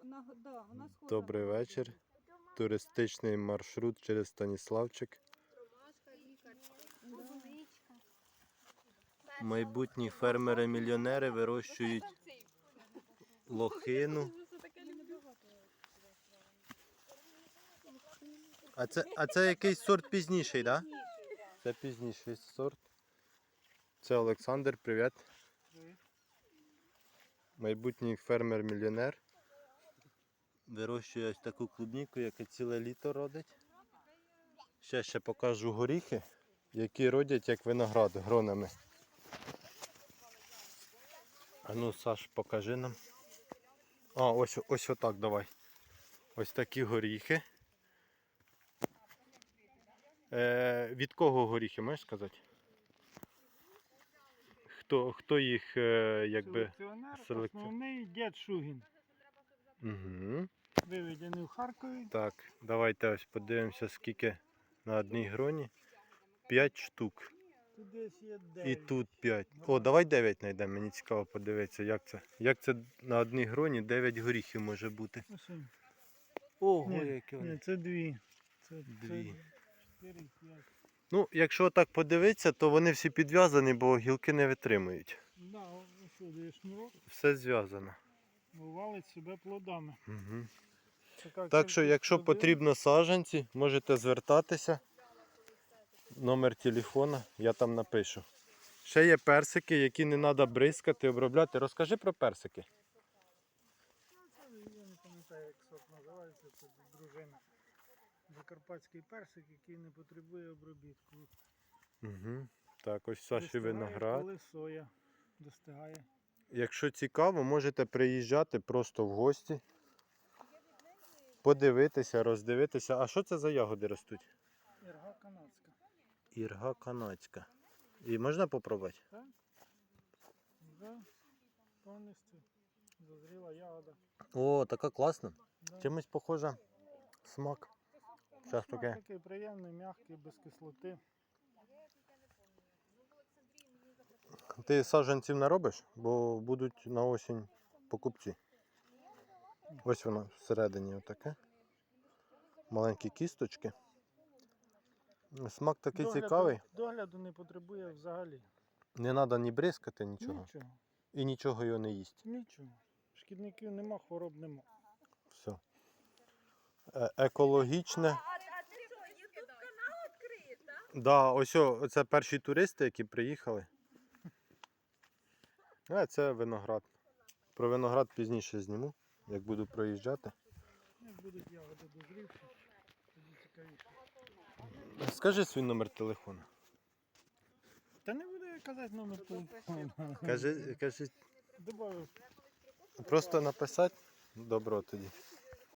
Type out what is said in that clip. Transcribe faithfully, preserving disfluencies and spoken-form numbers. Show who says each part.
Speaker 1: Вона, да, вона схожа.
Speaker 2: Добрий вечір. Туристичний маршрут через Станіславчик. Майбутні фермери-мільйонери вирощують лохину. А це, а це якийсь сорт пізніший, так? Да? Це пізніший сорт. Це Олександр, привіт. Майбутній фермер-мільйонер. Вирощує ось таку клубніку, яка ціле літо родить. Ще ще покажу горіхи, які родять як виноград гронами. А ну, Саш, покажи нам. А, ось, ось отак давай. Ось такі горіхи. Е, від кого горіхи, можеш сказати? Хто, хто їх е, якби...
Speaker 3: Селекціонер,
Speaker 2: Селекці-
Speaker 3: основний дід Шугін.
Speaker 2: Угу.
Speaker 3: Виведений в Харкові.
Speaker 2: Так, давайте ось подивимося, скільки на одній гроні. П'ять штук.
Speaker 3: Тут десь є
Speaker 2: І
Speaker 3: дев'ять.
Speaker 2: тут п'ять. О, давай дев'ять знайдемо, мені цікаво подивитися, як це. Як це на одній гроні дев'ять горіхів може бути.
Speaker 3: Ось він.
Speaker 2: Ого,
Speaker 3: Ні,
Speaker 2: які
Speaker 3: ні,
Speaker 2: вони.
Speaker 3: це дві. Це,
Speaker 2: Дві.
Speaker 3: Це чотири, п'ять.
Speaker 2: Ну, якщо так подивитися, то вони всі підв'язані, бо гілки не витримують.
Speaker 3: Да, ось сюди є шнурок,
Speaker 2: Все зв'язано.
Speaker 3: валить себе плодами.
Speaker 2: Угу.
Speaker 3: Така
Speaker 2: Так що,
Speaker 3: кількість
Speaker 2: якщо
Speaker 3: плодів.
Speaker 2: потрібно саджанці, можете звертатися. Номер телефона я там напишу. Ще є персики, які не треба бризкати, обробляти. Розкажи про персики.
Speaker 3: Ну, це, я не пам'ятаю, як сорт називається, це дружина. Закарпатський персик, який не потребує обробітку.
Speaker 2: Угу. Так, ось Саші
Speaker 3: Достигає,
Speaker 2: виноград.
Speaker 3: коли соя достигає.
Speaker 2: Якщо цікаво, можете приїжджати просто в гості, подивитися, роздивитися. А що це за ягоди ростуть?
Speaker 3: Ірга канадська.
Speaker 2: Ірга канадська. І можна попробувати?
Speaker 3: Так? Вже повністю зазріла ягода.
Speaker 2: О, така класна.
Speaker 3: Да.
Speaker 2: Чимось похожа смак. Зараз
Speaker 3: Смак
Speaker 2: таке.
Speaker 3: такий приємний, м'який, без кислоти.
Speaker 2: Ти саджанців наробиш, бо будуть на осінь покупці. Ось воно всередині отаке. Маленькі кісточки. Смак такий
Speaker 3: Догляду-
Speaker 2: цікавий.
Speaker 3: Догляду не потребує взагалі.
Speaker 2: Не треба ні бризкати, нічого.
Speaker 3: Нічого.
Speaker 2: І нічого його не їсть.
Speaker 3: Нічого. Шкідників нема, хвороб нема.
Speaker 2: Все. Е- екологічне.
Speaker 1: А ти що, ютуб канал відкриєш, так?
Speaker 2: Да, ось о, це перші туристи, які приїхали. А це виноград. Про виноград пізніше зніму, як буду проїжджати.
Speaker 3: Як будуть ягоди дозрівші, тоді цікавіше.
Speaker 2: Скажи свій номер телефону.
Speaker 3: Та не буду я казати номер телефону.
Speaker 2: Кажи, кажи,
Speaker 3: Добавив.
Speaker 2: просто написати. Добро тоді.